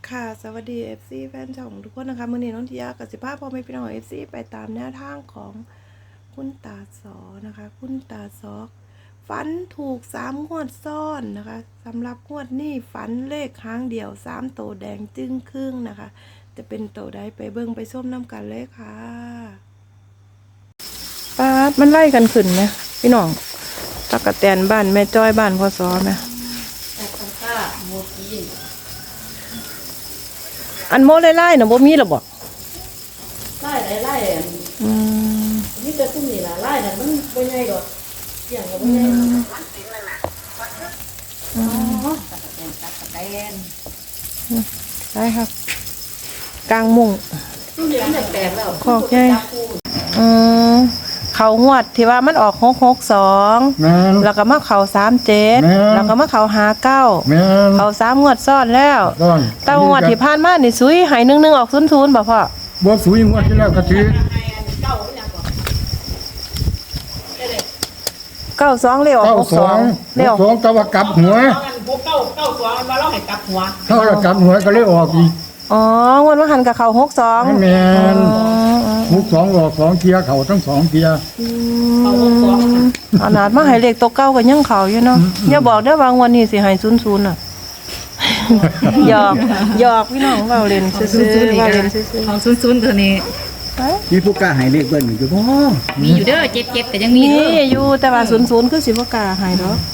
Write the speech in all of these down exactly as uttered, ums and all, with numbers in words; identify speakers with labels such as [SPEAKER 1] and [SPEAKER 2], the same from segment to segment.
[SPEAKER 1] ค่ะสวัสดี เอฟ ซี แฟนช่องทุกคนนะคะมื้อนี้น้องทิยากับสิภาพพ่อแม่พี่น้อง เอฟ ซี ไปตามแนวทางของคุณตาสอนะคะคุณตาสอฝันถูกสามงวดซ้อนนะคะสำหรับงวดนี้ฝันเลขครั้งเดียวสามโตแดงจึ้งครึ่งนะคะจะเป็นโตใดไปเบิ่งไปส้มน้ำกันเลยค่ะป้าดมันไล่กันขึ้นไหมพี่น้องตะกะแตนบ้านแม่จ้อยบ้านพ่อสอไหมอันโมไล่ไล่น่ะบ่มีหรอบ่
[SPEAKER 2] ไล่ไล่ไล่
[SPEAKER 1] อืม
[SPEAKER 2] นี่จะตุ้มนี่ล่ะไล่น่ะมันบ่ใหญ่ดอกอย่างก็บ่ใหญ่อ๋อตัดแตนตัดแตน
[SPEAKER 1] ได้ครับกลางมุ้ง
[SPEAKER 2] ตุ้มนี่มันแตกแล้ว
[SPEAKER 1] ขอกใหญ่อืมเขาหวดที่ว่ามันออกหกหกสองแล้วก็มาเขาสามเจ็ดแล้วก็มาเขาหาเก้าเขาสามงวดซ้อนแล้วแต่งวดที่ผ่านมานี่ซุยหายหนึ่งหนึ่งออกศูนย์ศูนย์บ่พ่อ
[SPEAKER 3] บ่ซุยงวดที่แล้วก็ถือ
[SPEAKER 1] เก้าสองเร็วหกสอง
[SPEAKER 3] เร็วสองแต่ว่ากลับหัว
[SPEAKER 2] พวกเก้าเก้าสองมันมาเล่าให้กลับหัว
[SPEAKER 3] ถ้าเรากลับหัวก็เลยออกอีก
[SPEAKER 1] อ๋องวดว่าหันกับเขาหกสอง
[SPEAKER 3] แม่นหกสองออกสองเทียเขาทั้งสองเทีย
[SPEAKER 1] ขนาดมาให้เลขตัวเก้ากันยังเขาอยู่เนาะอย่าบอกได้บางวันนี้สิให้ศูนย์ศูนย์อ่ะหยอกหยอกพี่น้องเบาเล่นซื้อๆเบาเล่นซื้อ
[SPEAKER 2] ๆของศูนย์ศูนย์ตัวนี้
[SPEAKER 3] มีผู้กล้าให้เลขเบิ้ลอยู่บ่
[SPEAKER 2] มีอยู่เด้อเจ็บๆแต่ยังมี
[SPEAKER 1] นี่อยู่แต่ว่าศูนย์ศูนย์คือสิบ่กล้าให้ดอก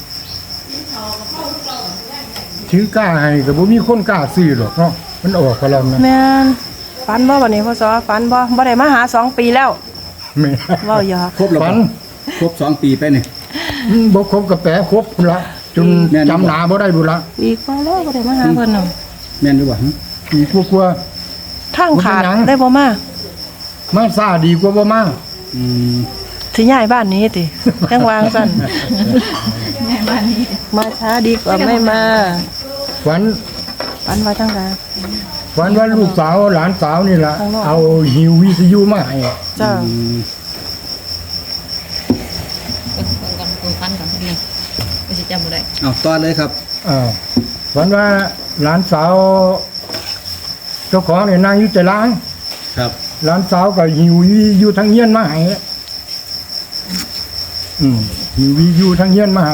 [SPEAKER 3] ถือกล้าให้ก็บ่มีคนกล้าซื้อหรอกเนาะมันออกไปแล้วนะ
[SPEAKER 1] แม่นฝันบ่วันนี้พ่อสอฝันบ่บ่ได้มาหาสองปีแล้ว
[SPEAKER 3] แม่
[SPEAKER 1] เว้าหยอก
[SPEAKER 3] ครบแล้วฝันครบสองปีไปนี่บ่ครบก็แปะครบพุ่นละจนจำหน้าบ่ได้บุละ
[SPEAKER 1] อีกพอแล้วบ่ได้มาหาเพิ่นน่ะ
[SPEAKER 3] แม่นอยู่บ่อีกกลัว
[SPEAKER 1] ๆทางขาดได้บ่มา
[SPEAKER 3] มาซ่าดีกว่าบ่มา
[SPEAKER 1] อืมสิย้ายบ้านนี้ติจังวางซั่น
[SPEAKER 2] ย้ายบ้านนี้
[SPEAKER 1] มาช้าดีกว่าไม่มา
[SPEAKER 3] ฝัน
[SPEAKER 1] ฝันว่าจังได๋
[SPEAKER 3] ฝันว่าลูกสาวหลานสาวนี่ล่ะเอาหิววิทยุมาให้
[SPEAKER 1] จ้า
[SPEAKER 2] ก่อนคนฟันก่อนพี่ไม่ใช่จำบ่ได้
[SPEAKER 3] เอาต่อเลยครับอ่าฝันว่าหลานสาวเจ้าของเนี่ยนั่งอยู่แต่ล้างครับหลานสาวก็หิวอยู่ทางเฮียนมาให้อืมหิวอยู่ทางเฮียนมาให้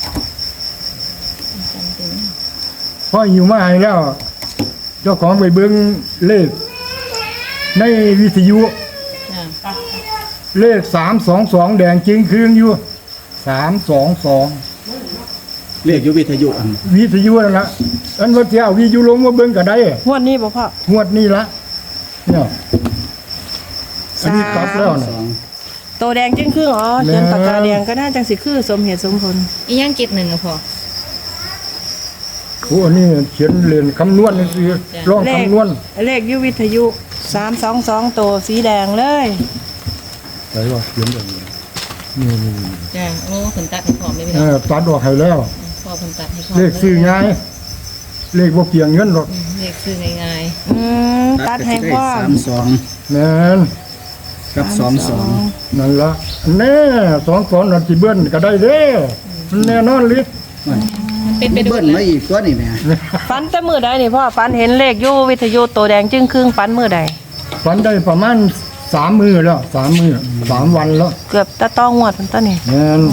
[SPEAKER 3] พอหิวมาให้แล้วเจ้าของไปเบิ่งเลขในวิทยุเลขสามสองสองแดงจริงคืนอยู่สามสองสอง
[SPEAKER 4] เลขอยู่วิทยุอัน
[SPEAKER 3] วิทยุนั่นละอันว่าที่เอาวิทยุลงมาเบิ่งก็ได้
[SPEAKER 1] งวดนี้บ่พ่
[SPEAKER 3] องวดนี้ละเนี่ยอันนี้กลับแล้วนะ
[SPEAKER 1] โตแดงจึงคืออ๋อเขียนปากกาแดงก็น่าจังสิคือสมเหตุสมผล
[SPEAKER 2] อีหยังเจ็ดหนึ่งอ่ะพ่อ
[SPEAKER 3] โอ้นี่เขียนเรียนคำนวณนี่คือลองคำนวณ
[SPEAKER 1] เลขอยู่วิทยุสามสองสองโตสีแดงเลย
[SPEAKER 3] ไหนว่าเขียนแบบนี้นี่นี่
[SPEAKER 2] จ้าโอ้ผลตัดให้พร้อมเลยพี่น้อง
[SPEAKER 3] เออตัดออกให้แล้ว
[SPEAKER 2] พอผลตัดให้พร้อม
[SPEAKER 3] เลขซื้อง่ายเลขบ่เกี่ยงเงินหรอก
[SPEAKER 2] เลขซื้อง่าย
[SPEAKER 1] ๆอืมตัดให้พร้อม
[SPEAKER 4] สามสอง
[SPEAKER 3] แม่น
[SPEAKER 4] กับสองสอง
[SPEAKER 3] นั่นละแน่สองสองนั่นสิเบิ้ลก็ได้เด้มันแน่นอนลิศ
[SPEAKER 4] เป็นไปเบิ้ลมาอีกตัวนี่แม่
[SPEAKER 1] ฝันแต่มื้อใดนี่พ่อฝันเห็นเลขอยู่วิทยุโตแดงจึงครึ่งฝันมื้อใด
[SPEAKER 3] ฝันได้ประมาณสามมื้อแล้วสามมื้อสามวันแล้ว
[SPEAKER 1] เกือบตะต้องงวดซั่นตะนี่
[SPEAKER 3] แม่น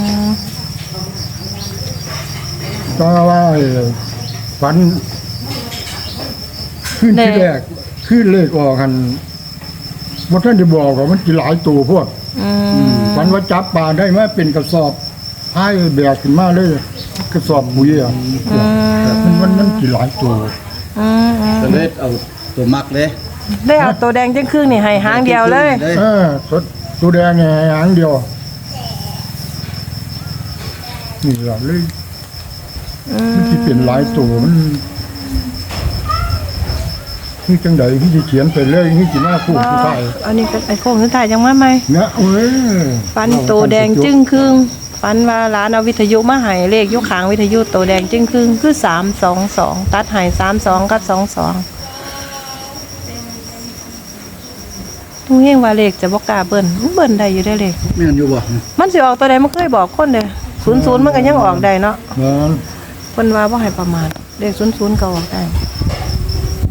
[SPEAKER 3] ก็ว่าฝันขึ้นที่แรกขึ้นเลขออกกันบ่ทันได้บอกว่ามันสิหลายตัวพวกอืมฝันว่าจับปลาได้มาเป็นกระสอบให้แบกขึ้นมาเลยกระสอบปุ๋ยอ่ะมันมันมันสิหลายตัว
[SPEAKER 1] อืม
[SPEAKER 4] ก็เลยเอาตัวมักเลย
[SPEAKER 1] ได้เอาตัวแดงจึงครึ่งนี่ให้หางเดียวเลย
[SPEAKER 3] เออตัวแดงเนี่ยหางเดียวนี่ล่ะเลยมันสิเป็นหลายตัวมันนี่จังใดที่จะเขียนไปเลยนี่สิมาคู่ผู้ชาย
[SPEAKER 1] อันนี้ก็ไอ้โค้งสุดท้ายยังมาใหม่
[SPEAKER 3] เนี่ยเอ้ย
[SPEAKER 1] ฟันโตแดงจึ้งครึ่งฟันว่าร้านเอาวิทยุมาให้เลขยกขางวิทยุโตแดงจึ้งครึ่งคือสามสองสองตัดให้สามสองกับสองสองทุกเฮงว่าเลขจะบ่กล้าเบิ้ลเบิ้ลได้อยู่ได้เลข
[SPEAKER 4] แม่นอยู่บ่
[SPEAKER 1] มันสิออกตัวใดมันเคยบอกคนเด้ศูนย์ศูนย์มันก็ยังออกได้เนาะ
[SPEAKER 3] เพิ่น
[SPEAKER 1] ว่าบ่ให้ประมาทเลขศูนย์ศูนย์ก็ออกได้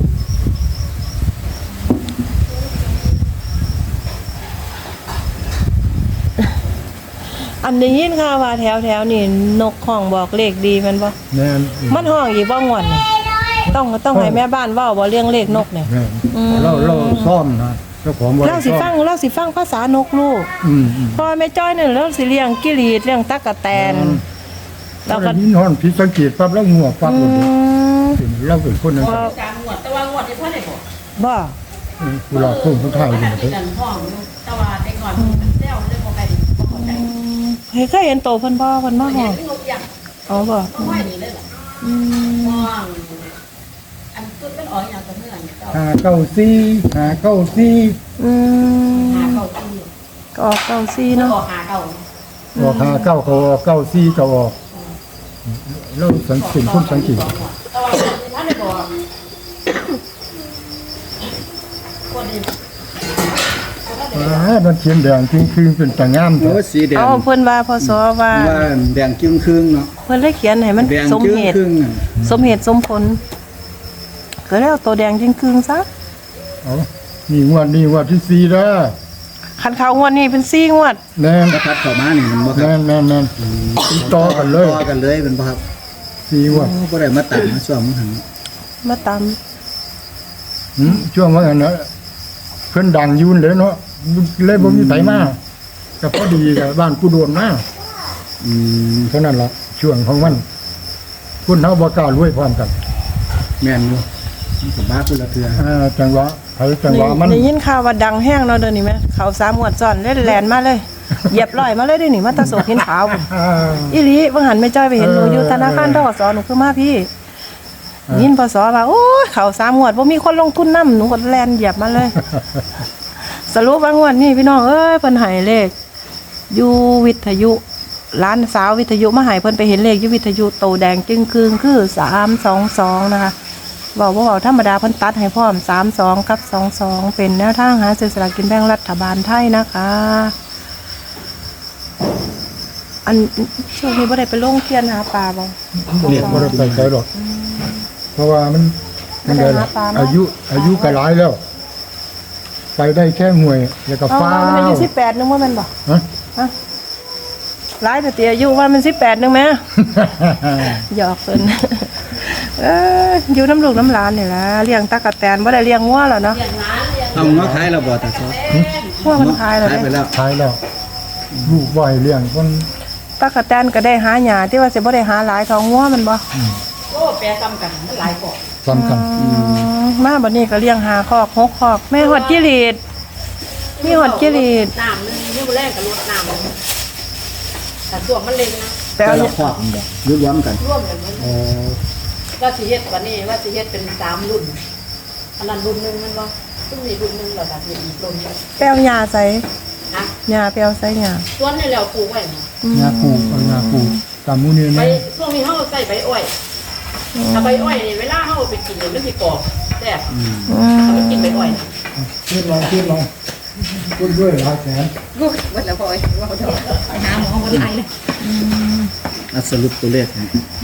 [SPEAKER 1] นได้ยินค่ะว่าแถวแถวๆนี่นกห้องบอกเลขดีแมันบ่
[SPEAKER 3] แม่น
[SPEAKER 1] มันห้องอีกบ่งวดนี่ต้องต้องให้แม่บ้านเว้าบ่เรื่องเลขนกเนี่ย
[SPEAKER 3] แม่น
[SPEAKER 1] อืม
[SPEAKER 3] เราเราซ่อมนะเจ้าของบ่ได้
[SPEAKER 1] เราสิ
[SPEAKER 3] ซ่อม
[SPEAKER 1] ฟังเราสิฟังภาษานกลูก
[SPEAKER 3] อืมอืม
[SPEAKER 1] เพราะว่าแม่จ้อยนี่เราสิเลี้ยงกิรีดเลี้ยงตั๊กแตน
[SPEAKER 3] เรา
[SPEAKER 1] เรา
[SPEAKER 3] ก็
[SPEAKER 1] ก็
[SPEAKER 3] ยินฮอนผิดสังเกตปั๊บแล้วงัวปั๊บ
[SPEAKER 1] อื
[SPEAKER 3] เลย
[SPEAKER 1] ม
[SPEAKER 3] เราเป็นคนนั้น
[SPEAKER 1] ว่า
[SPEAKER 2] จางงวดแต่ว่างวดที่เพิ่นได้บอก
[SPEAKER 1] บ่
[SPEAKER 3] เวลาพุ่งคนไทยนี่
[SPEAKER 2] ที่กันห้องอยู่แต่ว่าแต่ก่อนมันเซลเรื่องบ่ใครดีบ่เข้าใจ
[SPEAKER 1] เฮ้ยเคยเห็นโตเพิ่นบ่เพิ่นมาห้อง
[SPEAKER 2] นกยักษ์
[SPEAKER 1] อ๋อบ่
[SPEAKER 2] ห้อยนี่เลยล่ะ
[SPEAKER 1] อืม
[SPEAKER 2] ห้องอันตุ้นเป็นอ๋ออย่างกับเมื่อนเจ้า
[SPEAKER 3] หาเก้าซี่หาเก้าซี่
[SPEAKER 1] อืม
[SPEAKER 2] หาเก่าที่
[SPEAKER 1] ก็ออกเก้าซี่
[SPEAKER 2] เนาะ
[SPEAKER 1] เนาะ
[SPEAKER 2] หาเก่า
[SPEAKER 3] ออกหาเก้าเขาออกเก้าซี่เขาออกเราสังเกตคนสังเกต
[SPEAKER 2] แต่ว่าท่านได้บอกคนดี
[SPEAKER 3] อ่ามันเขียนแดงจริงคือเป็นตางาม
[SPEAKER 4] โอ้
[SPEAKER 3] เถอะ
[SPEAKER 4] สีแดง
[SPEAKER 1] เอาเพิ่นว่าพศว่า
[SPEAKER 4] ว่าแดงจึ้งครึ่งเนาะ
[SPEAKER 1] เพิ่นเลยเขียนให้มัน
[SPEAKER 4] แดง
[SPEAKER 1] สม
[SPEAKER 4] จึ้ง
[SPEAKER 1] เหตุ
[SPEAKER 4] ครึ่งอะ
[SPEAKER 1] สมเหตุสมผลก็แล้วตัวแดงจริงคืงซะ
[SPEAKER 3] เอานี่งวดนี่งวดที่สี่แล้ว
[SPEAKER 1] คันเขางวดนี้เป็นซี่งวด
[SPEAKER 3] แน่น
[SPEAKER 4] ถ้าพัดเข้ามานี่มันบ่ครั
[SPEAKER 3] แน่
[SPEAKER 4] บ
[SPEAKER 3] นแน่นแน่นติดต่อกันเลย
[SPEAKER 4] ต่อกันเลยเป็นบ่ครับ
[SPEAKER 3] สี่งวด
[SPEAKER 4] โอ้บ่ได้มาตัดมาช่วงมันหัน
[SPEAKER 1] มาตาม
[SPEAKER 3] หืมช่วงว่างั้นนะเพิ่นดังอยืนเลยเนาะเลยบ่มีไผมาก็พอดีกับบ้านผู้โดนมา
[SPEAKER 4] อืม
[SPEAKER 3] เท่านั้นล่ะช่วงของมันคุณเฮาบ่กล้ารวยพร้อมกัน
[SPEAKER 4] แม่นอยู่มันก็บ้าคนละเทื่อ
[SPEAKER 3] อ่าจังหวะไผจังหวะมัน
[SPEAKER 1] ได้ยินข่าวว่าดังแห้งเนาะเดี๋ยวนี้แม่เขาสามงวดซ้อนเล่นแลนมาเลย เหยียบร้อยมาเลยเด้นี่มาตะโศกเห็นขาวพุ่น
[SPEAKER 3] อ่า
[SPEAKER 1] อีหลีเบิ่งหันแม่จ้อยไปเห็นหนูอยู่ธนาคารธกสหนูคือมาพี่ยินพศว่าโอ้ยเขาสามงวดบ่มีคนลงทุนนำหนูก็แลนเหยียบมาเลย สรุปว่างวดนี้พี่น้องเอ้ยเพิ่นให้เลขอยู่วิทยุร้านสาววิทยุมาให้เพิ่นไปเห็นเลขอยู่วิทยุโตแดงจึงคืงคือสามสองสองนะคะเว้าบ่เว้าธรรมดาเพิ่นตัดให้พร้อมสามสองกับสองสองเป็นแนวทางหาซื้อสลากกินแบ่งรัฐบาลไทยนะคะ อันช่วงนี้บ่ได้ไปลงเทียนหาปลาบ่
[SPEAKER 3] เรียกบ่ได้ไปไกลหรอกเพราะว่ามันมันได้ละ
[SPEAKER 1] บ่ได้หาปลาเนอะ
[SPEAKER 3] อายุอายุก็หลายแล้ว ไปได้แค่หวยแล้วก็
[SPEAKER 1] เอา
[SPEAKER 3] ฟ้า
[SPEAKER 1] ว่ามัน
[SPEAKER 3] ว
[SPEAKER 1] อายุสิบแปดนึงว่ามันบ่
[SPEAKER 3] ฮะ
[SPEAKER 1] ฮะหลายแต่ตีอายุว่ามันสิบแปดนึงแม่ หยอกเพิ่น เอออยู่น้ำลูกน้ำหลานนี่ล่ะเลี้ยงตะกะแตนบ่ได้เลี้ยงงัวแล้วเนาะ
[SPEAKER 2] อย่างนั้นอย่าง
[SPEAKER 4] เอาเนาะขายแล้วบ่ตาซอ
[SPEAKER 1] งัวมันขายแล้ว
[SPEAKER 4] ขายไป
[SPEAKER 1] เด้
[SPEAKER 4] แล้ว
[SPEAKER 3] ท้ายแล้วลูกบ่อยเลี้ยงคน
[SPEAKER 1] ตะกะแตนก็ได้หาหญ้าที่ว่าสิบ่ได้หาหลายเท่างัวมันบ่
[SPEAKER 2] โอ้แปรซ้ำกันมันหลายกว่า
[SPEAKER 3] ซ้ำกัน
[SPEAKER 1] อืมมาบัดนี้ก็เลี้ยงหาคอกหกคอกแม่ฮอดจิรีดมีฮอดจิรีด
[SPEAKER 2] น้ำนึงนี่บ่แรกกับรดน้ำแต่ช่วงมันเล็งนะ
[SPEAKER 1] แต่
[SPEAKER 4] แต่
[SPEAKER 1] เอา
[SPEAKER 4] ละครอบมันบ่ยุดรวมกัน
[SPEAKER 2] ร่วมกันมัน
[SPEAKER 3] อ๋อ
[SPEAKER 2] ว่าสิเฮ็ดวันนี้ว่าสิเฮ็ดเป็นสามรุ่นอันนั้นรุ่นหนึงมันบ่ซึ่งมีรุ่นหนึงแล้วก็มีอีกรุ่นหนึง
[SPEAKER 1] แป้วหญ้าใส่
[SPEAKER 2] นะ
[SPEAKER 1] หญ้าแป้วใส่หญ้า
[SPEAKER 2] ส่วนนี่แล้วปลูกไว้นะ
[SPEAKER 3] งาปูเอางาปูตามหมูนี่
[SPEAKER 2] ใบ
[SPEAKER 3] นะ
[SPEAKER 2] ช่วงนี้เฮาใส่ใบอ้อยถ้าใบอ้อยนี่เวลาเฮาไปกินเนี่ยมันสิกรอบแซ่บ
[SPEAKER 1] อื
[SPEAKER 2] ถ้าม ไปกินใบอ้อยนะ
[SPEAKER 3] เทียบลองเทียบลองพูดด้วยหลายแสน
[SPEAKER 2] กูว่าแล้วพอยว่าเขาไปหาหมอบ่ได้เลย
[SPEAKER 4] อ่ะสรุปตัวเลขให้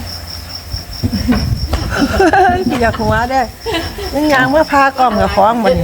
[SPEAKER 1] อยากหัวได้ยังยางเมื่อพากล่องกับฟ้องมัน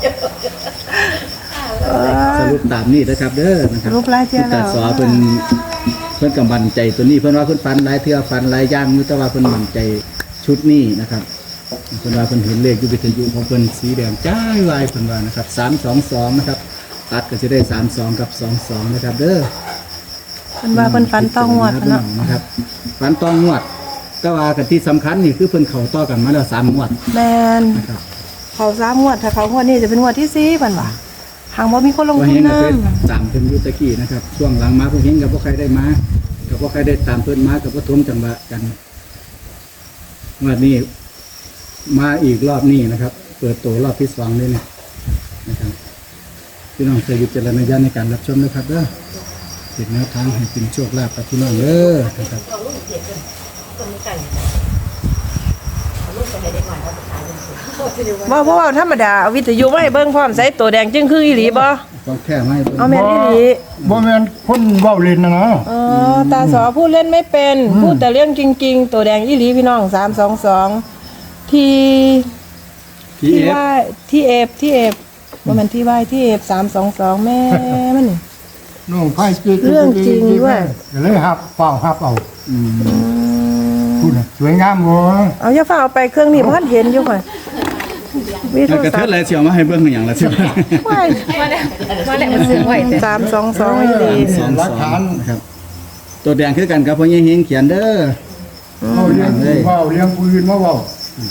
[SPEAKER 4] สรุปตามนี้นะครับเด้อนะครับ
[SPEAKER 1] รูปลายเจ้า
[SPEAKER 4] คุณตาสอเพิ่นเพิ่นกำบันใจตัวนี้เพิ่นว่าเพิ่นฟันหลายเทื่อฟันหลายอย่างอยู่แต่ว่าเพิ่นมั่นใจชุดนี้นะครับเพิ่นว่าเพิ่นเห็นเลขอยู่วิทยุของเพิ่นสีแดงจ้ายวายเพิ่นว่านะครับสามสองสองนะครับตัดก็จะได้สามสองกับสองสองนะครับเด้อ
[SPEAKER 1] เพิ่นว่าเพิ่นฝันต้องงวด
[SPEAKER 4] นะ
[SPEAKER 1] เนาะ
[SPEAKER 4] นะครับฟันต้องงวดแต่ว่ากันที่สำคัญนี่คือเพิ่นเข้าต่อกันมาแล้วสามงวด
[SPEAKER 1] แมน
[SPEAKER 4] นะครับ
[SPEAKER 1] เขาสามงวดถ้าเขางวดนี้จะเป็นงวดที่สี่เพิ่นว่าหางบ่มีคนลง
[SPEAKER 4] ว่า
[SPEAKER 1] ทุ
[SPEAKER 4] เฮ
[SPEAKER 1] น
[SPEAKER 4] งก็
[SPEAKER 1] นำ
[SPEAKER 4] เคยตามเพิ่นอยู่ตะกี้นะครับช่วงหลังมาพวกเฮงกับพวกใครได้มากับพวกใครได้ตามเพิ่นมากับพวกทวมจังหวะกันงวดนี้มาอีกรอบนี้นะครับ เปิดตัวรอบที่สองเลยเนี่ยนะครับพี่น้องเคยวิจารณญาณในการรับชมนะครับเด้อเป็นแนวทางให้เป็นโชคลาภกับพี่น้องเด้อนะครับ
[SPEAKER 2] เอาลูกเด็กกันต้นไก่เอาลูกไปให้เด็กหน่อยเขาไปขายเป็นสูงสิเดี๋ยวว่า
[SPEAKER 1] บ่เพราะว่าธรรมดาเอาวิทยุมาให้เบิ่งพร้อมใส่ตัวแดงจึงคืออีหลีบ่
[SPEAKER 4] ต้องแค่ไม่เบิ่ง
[SPEAKER 1] เอาแม่นอีหลี
[SPEAKER 3] บ่แม่นคนเว้าเล่นนะนะ
[SPEAKER 1] อ๋อตาสอพูดเล่นไม่เป็นพูดแต่เรื่องจริง ๆ ตัวแดงอีหลีพี่น้องสามสองสองที่
[SPEAKER 4] พี
[SPEAKER 1] ที่
[SPEAKER 4] เอฟ
[SPEAKER 1] ว่าที่เอฟที่เอฟว่ามันที่ว่าที่เอฟสามสองสองแม่มันนี่
[SPEAKER 3] น้องไผ่จิก
[SPEAKER 1] เรื่องจริงด้วย
[SPEAKER 3] ก็เลยฮับเฝ้าฮับเอา
[SPEAKER 4] อืม
[SPEAKER 1] อืม
[SPEAKER 3] พูดน่ะสวยงามบ่
[SPEAKER 1] เอาอย่าฟ้าเอาไปเครื่องนี้เพราะท่านเห็นอยู่ค่อยมีโท
[SPEAKER 4] แล้ว
[SPEAKER 1] ร
[SPEAKER 4] กระ
[SPEAKER 1] ศั
[SPEAKER 4] เทื
[SPEAKER 1] พ
[SPEAKER 4] อน
[SPEAKER 1] ท์
[SPEAKER 4] อะไรเชียวมาให้เบิ่งอย่างละเชียว
[SPEAKER 1] ไว้
[SPEAKER 2] มาแล้วมาแล้วมันซื้อไว้แต่
[SPEAKER 1] สามสองสองอีหลี
[SPEAKER 4] สองสองนะครับตัวแดงคือกันครับพ่อใหญ่เฮงเขียนเด้อ
[SPEAKER 3] เอาเลี้ยงผู้เว้าเลี้ยงผู้อื่นมาเว้า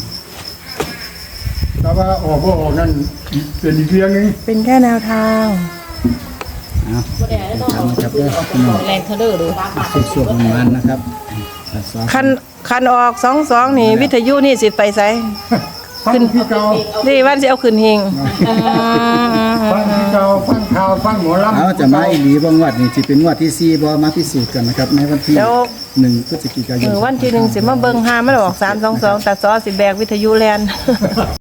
[SPEAKER 3] แต่ว่าออกบ่ออกนั่นเป็นอีกเรื่องหนึง
[SPEAKER 1] เป็นแค่แนวทาง
[SPEAKER 4] เอา
[SPEAKER 2] บ่ได้ต้อง
[SPEAKER 4] ทำ
[SPEAKER 2] เอา
[SPEAKER 4] นะครับเด้อพี่น้อง
[SPEAKER 2] แรงเทเลอร์ดู
[SPEAKER 4] สุกๆมันๆนะครับตัดสอง
[SPEAKER 1] คันคันออกสองสองนี่วิทยุนี่สิไปไส
[SPEAKER 3] ฟังที่เก่า
[SPEAKER 1] นี่วันสิเอาขึ้นเฮง
[SPEAKER 3] ฟังที่เก่าฟังข่าวฟังหมอลำ
[SPEAKER 4] เอาจะมาอีหลีบ่งวดนี่สิเป็นงวดที่สี่บ่มาพิสูจน์กันนะครับในวันที่
[SPEAKER 1] แล้ว
[SPEAKER 4] หนึ่งพฤศจิกาย
[SPEAKER 1] เอน อวันที่หนึ่งสิมาเบิ่งหามันออกสามสองสองตัดซอสิแบกวิทยุแลน